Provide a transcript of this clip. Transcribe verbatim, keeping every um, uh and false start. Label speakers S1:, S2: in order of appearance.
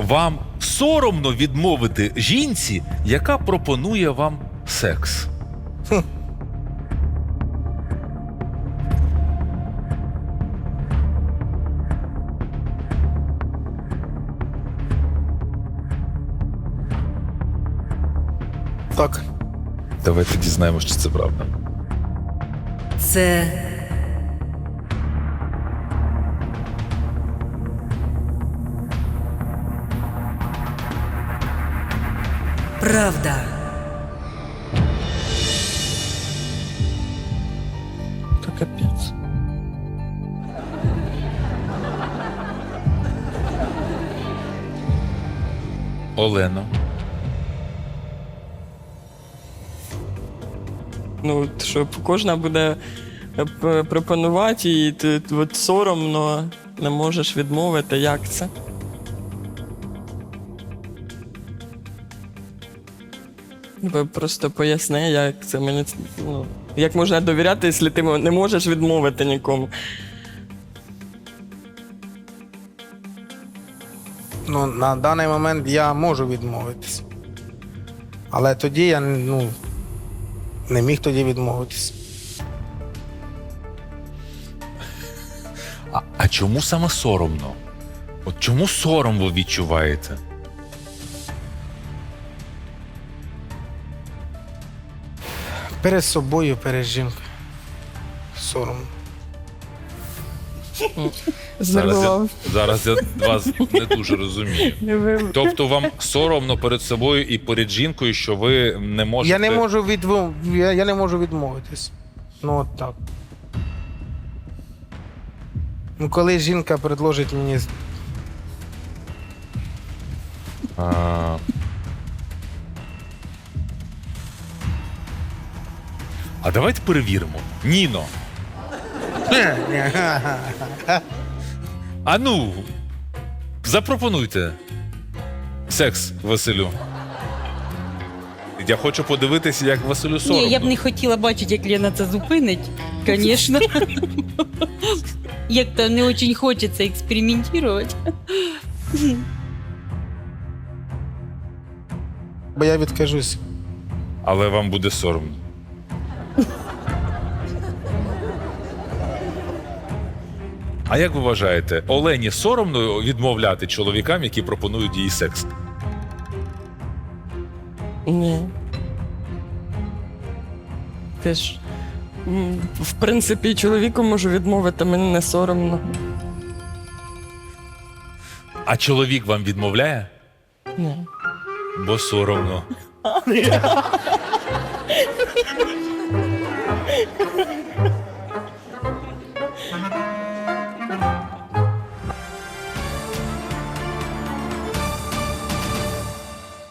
S1: вам соромно відмовити жінці, яка пропонує вам секс?
S2: Хм. Так.
S1: Давайте дізнаємося, чи це правда.
S3: Це правда.
S2: Та капець.
S1: Олено.
S4: Ну, от що кожна буде п- пропонувати, і ти от соромно не можеш відмовити. Як це? Ви просто поясни, як це мені. ц- Ну, як можна довіряти, якщо ти не можеш відмовити нікому.
S2: Ну, на даний момент я можу відмовитись. Але тоді я ну, не міг тоді відмовитись.
S1: А, а чому саме соромно? От чому сором ви відчуваєте?
S2: Перед собою, перед жінкою. Соромно.
S1: Зараз я, зараз я вас не дуже розумію. Тобто вам соромно перед собою і перед жінкою, що ви не можете...
S2: Я не можу відмов... я, я не можу відмовитись. Ну от так. Ну, коли жінка предложить мені.
S1: А... а давайте перевіримо. Ніно, а ну, запропонуйте секс Василю. Я хочу подивитися, як Василю соромно.
S3: Ні, я б не хотіла бачити, як Лена це зупинить, звісно. Як-то не дуже хочеться експериментувати.
S2: Бо я відкажусь.
S1: Але вам буде соромно. А як ви вважаєте, Олені соромно відмовляти чоловікам, які пропонують їй секс?
S4: Ні. Ти ж. м, В принципі, чоловіку можу відмовити, мені не соромно.
S1: А чоловік вам відмовляє?
S4: Ні.
S1: Бо соромно.